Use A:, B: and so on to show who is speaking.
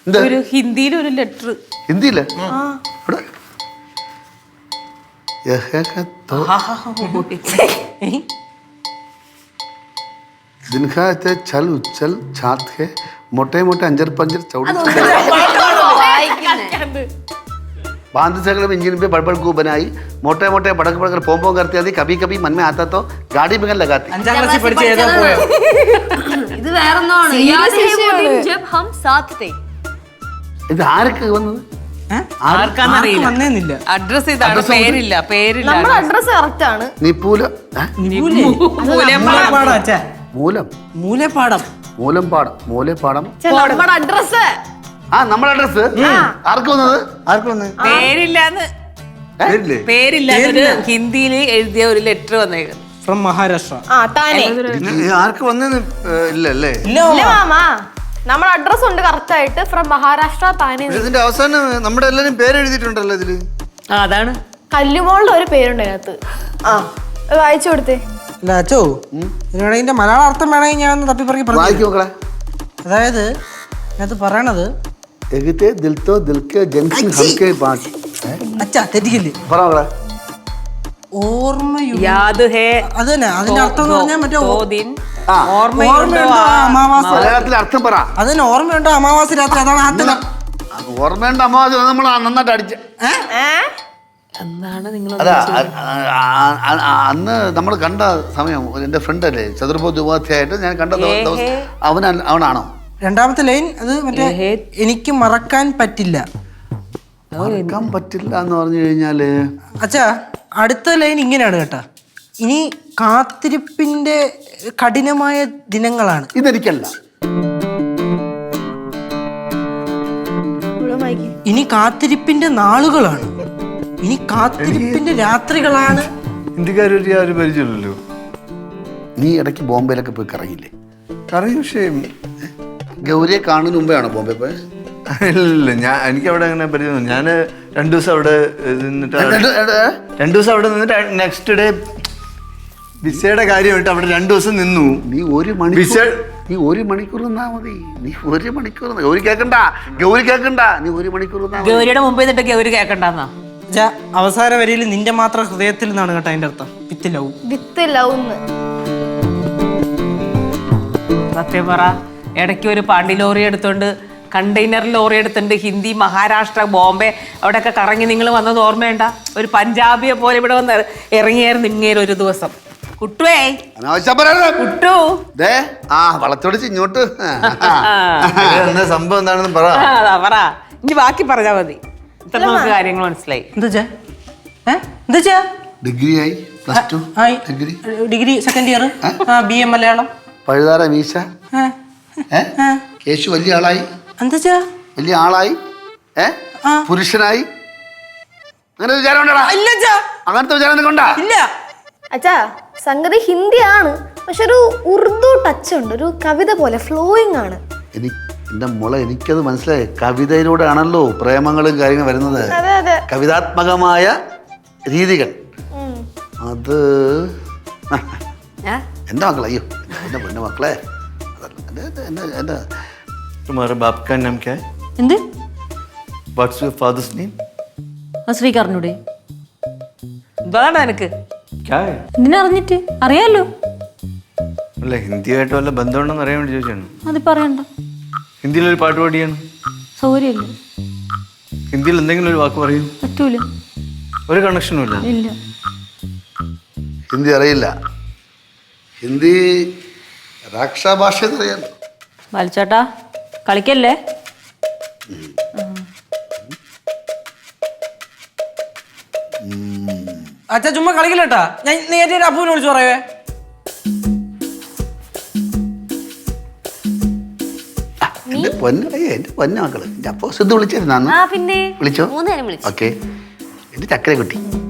A: ഒരു ഹിന്ദിയിൽ ഒരു ലെറ്റർ.
B: ഹിന്ദിയില്ലേ? ദിൻഖാ ചൽ ഉച്ചൽ ഛാത് ഹെ മോटे मोटे अंजर पंजर चौड़ी बांध सकल इंजन पे बड़बड़ को बनाई मोटे मोटे बड़क बड़कर पोम पोम करती थी कभी कभी मन में आता तो गाड़ी में लगाती.
C: ഇത് വേറൊന്നാണ്. जब हम साथ थे.
B: ഇത് ആർക്ക് വന്നത്?
A: ആർക്കാന്നറിയില്ല. അഡ്രസ് ഇതാണ്. പേരില്ല.
D: നമ്മുടെ അഡ്രസ് കറക്റ്റ് ആണ്.
B: നിപൂല മൂലം
A: മൂലപ്പാടം.
B: മൂലംപാടം മൂലപ്പാടം
D: നമ്മുടെ അഡ്രസ്.
B: നമ്മുടെ അഡ്രസ് ആർക്ക് വന്നത്?
A: പേരില്ല. ഹിന്ദിയിൽ എഴുതിയ ഒരു ലെറ്റർ വന്നേക്കുന്നു
E: ഫ്രം മഹാരാഷ്ട്ര.
B: ആർക്ക് വന്നെന്ന് ഇല്ലല്ലേ?
D: ഇല്ല മാമാ, നമ്മുടെ അഡ്രസ് ഉണ്ട് കറക്റ്റ് ആയിട്ട്. ഫ്രം മഹാരാഷ്ട്ര താനെ.
B: ഇതിന്റെ അവസാനം നമ്മുടെ എല്ലാരും പേര് എഴുതിയിട്ടുണ്ടല്ലോ ഇതില്.
A: അതാണ്
D: കല്ലുമോളുടെ ഒരു പേരുണ്ട് അതിനകത്ത്. വായിച്ചു കൊടുത്തേ.
E: അല്ല അച്ചോ, ഇതിന്റെ മലയാള അർത്ഥം വേണമെങ്കിൽ ഞാൻ തപ്പിപ്പറക്കി പറഞ്ഞു. അതായത് അത് പറയണത് അച്ഛാ തെറ്റിക്കില്ലേ?
A: യാദ് ഹേ.
E: അത് തന്നെ അതിന്റെ അർത്ഥം എന്ന് പറഞ്ഞാൽ മറ്റേ
A: ഓർമ്മയുണ്ടോ
E: അമാവാസി.
B: മലയാളത്തിൽ അർത്ഥം പറ.
E: അതിന് ഓർമ്മയുണ്ടോ അമാവാസി രാത്രി? അതാണ് ആദ്യം.
B: ഓർമ്മയുണ്ട് അമാവാസി നമ്മൾ നന്നായിട്ട് അടിച്ച.
A: എന്താണ് നിങ്ങൾ
B: അന്ന് നമ്മൾ കണ്ട സമയം എന്റെ ഫ്രണ്ട് അല്ലേ ചതുർബോധ ഉപാധ്യായിട്ട് ഞാൻ കണ്ട ദിവസം അവനാണോ?
E: രണ്ടാമത്തെ ലൈൻ അത് മറ്റേ എനിക്ക് മറക്കാൻ പറ്റില്ല.
B: മറക്കാൻ പറ്റില്ല എന്ന് പറഞ്ഞു കഴിഞ്ഞാല്
E: അച്ഛാ അടുത്ത ലൈൻ ഇങ്ങനെയാണ് കേട്ടാ. ഇനി കാത്തിരിപ്പിന്റെ കഠിനമായ ദിനങ്ങളാണ്.
B: ഇതെനിക്കല്ല.
E: ഇനി കാത്തിരിപ്പിന്റെ നാളുകളാണ്. ഇനി കാത്തിരിപ്പിന്റെ രാത്രികളാണ്.
B: ഇന്ത്യക്കാര് പരിചയമില്ലല്ലോ. നീ ഇടയ്ക്ക് ബോംബെയിലൊക്കെ പോയി കറങ്ങില്ലേ?
F: കറങ്ങി. പക്ഷേ
B: ഗൗരിയെ കാണുന്നതിന് മുമ്പെയാണോ ബോംബെ പോയത്?
F: ഇല്ല, എനിക്ക് അവിടെ അങ്ങനെ പരിചയം. ഞാൻ 2 ദിവസം അവിടെ നിന്നിട്ട് 2 ദിവസം അവിടെ നിന്നിട്ട് നെക്സ്റ്റ് ഡേ വിസയുടെ കാര്യമായിട്ട് അവിടെ 2 ദിവസം നിന്നു.
B: നീ ഒരു മണിക്കൂർ നിന്നാ മതി. നീ 1 മണിക്കൂർ ഗൗരി കേക്കണ്ട. നീ 1 മണിക്കൂർ
A: ഗൗരിയുടെ മുമ്പ് നിന്നിട്ട് ഗൗരി കേക്കണ്ടെന്നാ.
E: അവസാന വരിയിൽ നിന്റെ മാത്രം ഹൃദയത്തിൽ നിന്നാണ് കേട്ടോ അതിന്റെ അർത്ഥം.
D: With love.
A: സത്യം പറ, ഇടയ്ക്ക് ഒരു പാണ്ടി ലോറി എടുത്തോണ്ട് കണ്ടെയ്നർ ലോറി എടുത്തിട്ടുണ്ട് ഹിന്ദി മഹാരാഷ്ട്ര ബോംബെ അവിടെയൊക്കെ കറങ്ങി നിങ്ങൾ വന്നത് ഓർമ്മയുണ്ട? ഒരു പഞ്ചാബിയെ പോലെ ഇവിടെ വന്ന് ഇറങ്ങിയായിരുന്നു ഇങ്ങേര് ഒരു ദിവസം. കുട്ടുവേ കുട്ടു
B: വളച്ചൊടിച്ച് ഇങ്ങോട്ട്
F: സംഭവം എന്താണെന്ന് പറ.
A: ഇനി ബാക്കി പറഞ്ഞാ മതി. ഇത്ര നമുക്ക് കാര്യങ്ങൾ മനസ്സിലായി.
B: ഡിഗ്രിയായി
E: degree second year BA Malayalam.
B: പഴുതാര മീശ. കേശു വലിയ ആളായി. പുരുഷനായി. അങ്ങനെ വിചാരം അങ്ങനത്തെ വിചാരം കൊണ്ടാ?
D: അച്ഛാ സംഗതി ഹിന്ദിയാണ്, പക്ഷെ ഒരു ഉറുദു ടച്ച് ഉണ്ട്. ഒരു കവിത പോലെ ഫ്ലോയിങ് ആണ്.
B: എന്റെ മോളെ എനിക്കത് മനസ്സിലായി. കവിതയിലൂടെ ആണല്ലോ പ്രേമങ്ങളും കാര്യങ്ങളും വരുന്നത്. കവിതാത്മകമായ രീതികൾ. അത് എന്റെ മക്കളെ. അയ്യോ എന്റെ മക്കളെ.
F: तुम्हारे बाप का नाम क्या है?
C: എന്ത്?
F: What's your father's name?
C: ശ്രീകർണുടെ.
A: എന്താണ് എനിക്ക്
F: क्या है?
C: എന്തിനറിഞ്ഞിട്ട്? അറിയാലോ.
F: അല്ല ഹിന്ദിയായിട്ട് വല്ല ബന്ധമുണ്ടെന്ന് അറിയാൻ വേണ്ടി ചോദിച്ചാണ്.
C: അത് പറയണ്ട.
F: ഹിന്ദിയിലൊരു പാട്ട് പാടിയാണ്.
C: സൗകര്യമില്ല.
F: ഹിന്ദിയിൽ എന്തെങ്കിലും ഒരു വാക്ക് പറയൂ.
C: പറ്റൂല.
F: ഒരു കണക്ഷനും ഇല്ല.
C: ഇല്ല.
B: ഹിന്ദി അറിയില്ല. ഹിന്ദി രാക്ഷാഭാഷ എന്നറിയാലോ.
C: ബാലിച്ചേട്ടാ കളിക്കല്ലേ.
E: അച്ഛാ ചുമ്മാ കളിക്കില്ലട്ടാ. ഞാൻ നേരിട്ട് അപ്പൂനെ വിളിച്ചു പറയേ.
B: എന്റെ പൊന്ന മക്കള്. അപ്പൊ സിദ്ധു വിളിച്ചിരുന്നു.
C: പിന്നെ
B: വിളിച്ചോ?
C: 3 നേരം വിളിച്ചു.
B: ഓക്കെ. എന്റെ ചക്കര കുട്ടി.